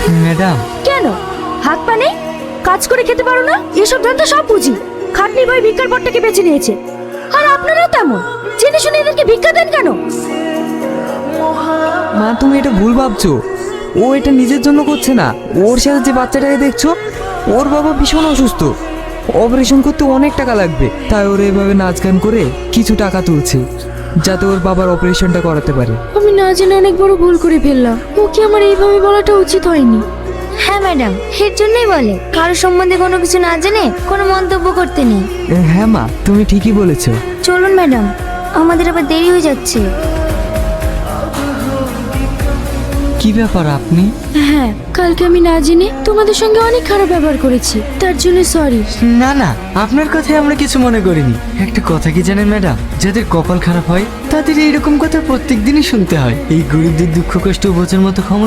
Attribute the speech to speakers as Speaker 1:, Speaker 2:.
Speaker 1: Madam,
Speaker 2: কেন হাত পা নেই? কাজ করে খেতে পারো না? এসব ধান্দা সব বুঝি। খাটনি ভাই ভিক্ষার পথটাকে বেছে নিয়েছে, আর আপনারাও তেমন। জেনে শুনে এদেরকে ভিক্ষা দেন কেন?
Speaker 1: মা তুমি এটা ভুল ভাবছো। ও এটা নিজের জন্য করছে না। ওর সাথে যে বাচ্চাটাকে দেখছো, ওর বাবা ভীষণ অসুস্থ, অপারেশন করতে অনেক টাকা লাগবে। তাই ওর এভাবে নাচ গান করে কিছু টাকা তুলছে, যাতে ওর বাবার অপারেশনটা করাতে পারে।
Speaker 2: আমি না জেনে অনেক বড় ভুল করে ফেললাম। ওকে আমার এইভাবে বলাটা উচিত হয়নি।
Speaker 3: হ্যাঁ ম্যাডাম, এর জন্যই বলে কারো সম্বন্ধে কোনো কিছু না জেনে কোনো মন্তব্য করতে নেই।
Speaker 1: হ্যাঁ মা, তুমি ঠিকই বলেছো।
Speaker 3: চলুন ম্যাডাম, আমাদের আবার দেরি হয়ে যাচ্ছে।
Speaker 1: কি ব্যাপার আপনি?
Speaker 2: হ্যাঁ, কালকে আমি না জেনে তোমাদের সঙ্গে অনেক খারাপ ব্যবহার করেছি, তার জন্য সরি।
Speaker 4: না না, আপনার কথায় আমরা কিছু মনে করিনি। একটা কথা কি জানেন ম্যাডাম, যাদের কপাল খারাপ হয় তাদের এইরকম কথা প্রত্যেক দিনই শুনতে হয়। এই গরিবদের দুঃখ কষ্ট বোঝার মতো ক্ষমতা